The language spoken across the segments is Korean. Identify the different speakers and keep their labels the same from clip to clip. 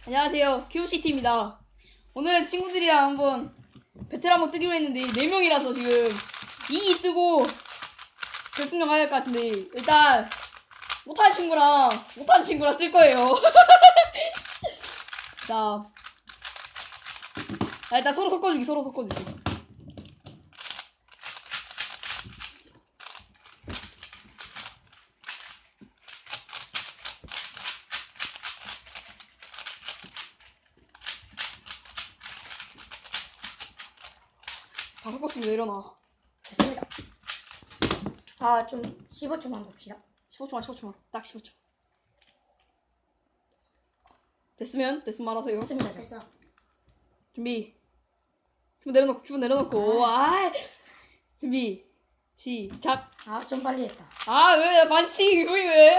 Speaker 1: 안녕하세요, QCT입니다. 오늘은 친구들이랑 한번 배틀 한번 뜨기로 했는데 4명이라서 지금 2위 뜨고 결승전 가야 할 것 같은데 일단 못하는 친구랑 뜰 거예요. 자, 일단 서로 섞어주기. 다 섞었으면 내려놔.
Speaker 2: 됐습니다. 좀 15초만 봅시다.
Speaker 1: 15초만. 딱 15초. 됐으면 말하세요.
Speaker 2: 됐습니다. 됐어.
Speaker 1: 준비. 큐브 내려놓고. 준비. 시작.
Speaker 2: 좀 빨리 했다.
Speaker 1: 왜 반칙 왜?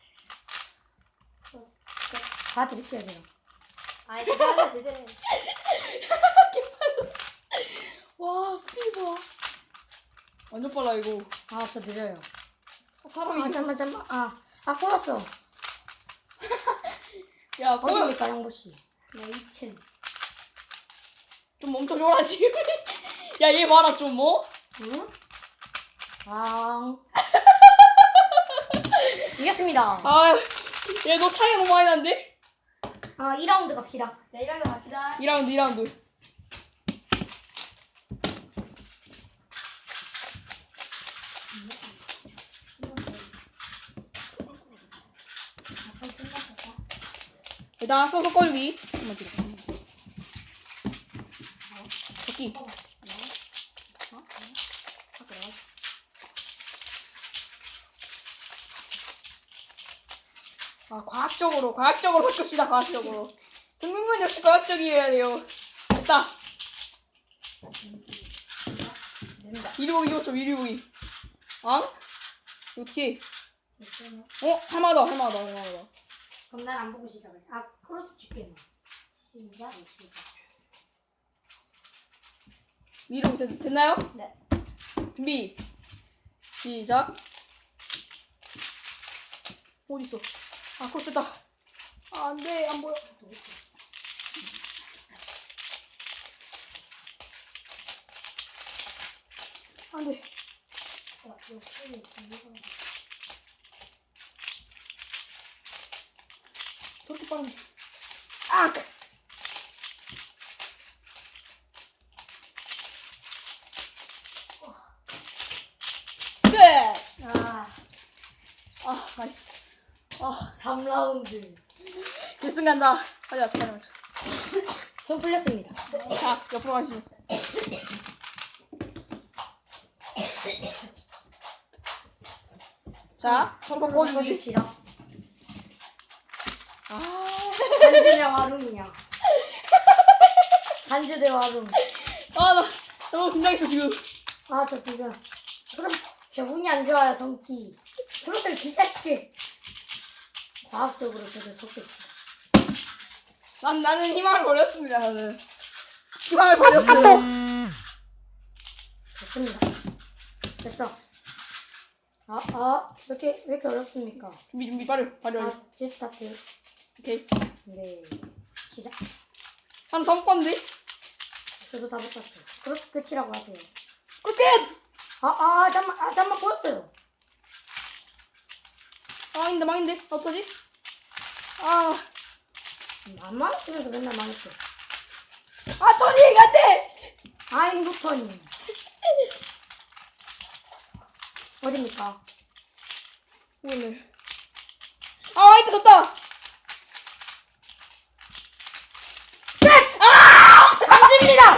Speaker 2: 다 드릴게요, 제가.
Speaker 3: 기다려, 제대로.
Speaker 1: 와, 스피드 봐. 완전 빨라 이거.
Speaker 2: 저 느려요.
Speaker 1: 사람이
Speaker 2: 잠만. 꼬였어.
Speaker 1: 야,
Speaker 2: 어디입니까, 영보씨?
Speaker 3: 나 2층.
Speaker 1: 좀 멈춰줘라 지금. 야, 얘 봐라 좀 뭐?
Speaker 2: 응? 이겼습니다.
Speaker 1: 얘 너 차이가 너무 많이 나는데?
Speaker 2: 2라운드 갑시다.
Speaker 3: 네, 1라운드 갑시다.
Speaker 1: 2라운드. 일단 서서 섞어주기. 한번 들어. 섞기. 과학적으로 섞읍시다. 과학적으로. 등등은 역시 과학적이어야 돼요. 됐다. 이리 보기. 어떻게? 할만하다.
Speaker 2: 그럼 난 안 보고 시작해. 크로스 줄게. 시작.
Speaker 1: 위로 됐나요?
Speaker 2: 네.
Speaker 1: 준비. 시작. 어딨어? 크로스 됐다. 안 돼. 안 보여. 안 돼. 저렇게 빠른데. 네! 나이스.
Speaker 2: 3라운드.
Speaker 1: 결승 간다. 가자, 기다려줘.
Speaker 2: 손 풀렸습니다.
Speaker 1: 자, 옆으로 가시죠. 자, 서로 섞어주기.
Speaker 2: 봅시다. 간주 대 와룸이야. 간주 대 와룸.
Speaker 1: 나 너무 긴장했어, 지금.
Speaker 2: 저 지금 저 운이 안 좋아요. 성기 크로스를 진짜 쉽게 과학적으로 저를 섞겠지.
Speaker 1: 나는 희망을 버렸습니다. 희망을 버렸어요.
Speaker 2: 됐습니다. 됐어. 왜 이렇게 어렵습니까?
Speaker 1: 준비 빨리.
Speaker 2: 제스타트.
Speaker 1: 오케이.
Speaker 2: 네. 시작.
Speaker 1: 한 다 못 봤는데?
Speaker 2: 저도 다 못봤어요. 크로스 끝이라고 하세요.
Speaker 1: 크로스 끝!
Speaker 2: 잠만 보였어요.
Speaker 1: 망인데? 어떡하지?
Speaker 2: 만만 쓰면서 맨날 망했어.
Speaker 1: 토니! 안 돼!
Speaker 2: 노턴이. 어딥니까?
Speaker 1: 오늘. 이따 졌다!
Speaker 2: 강주입니다!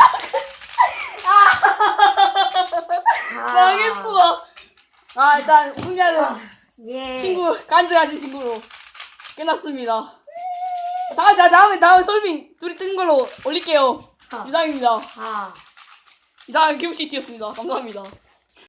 Speaker 1: 망했어. 일단, 우승자는
Speaker 2: 예.
Speaker 1: 간주 가진 친구로 끝났습니다. 다음에 솔빙 둘이 뜬 걸로 올릴게요. 이상입니다.
Speaker 2: 아.
Speaker 1: 이상한 QCT였습니다. 감사합니다.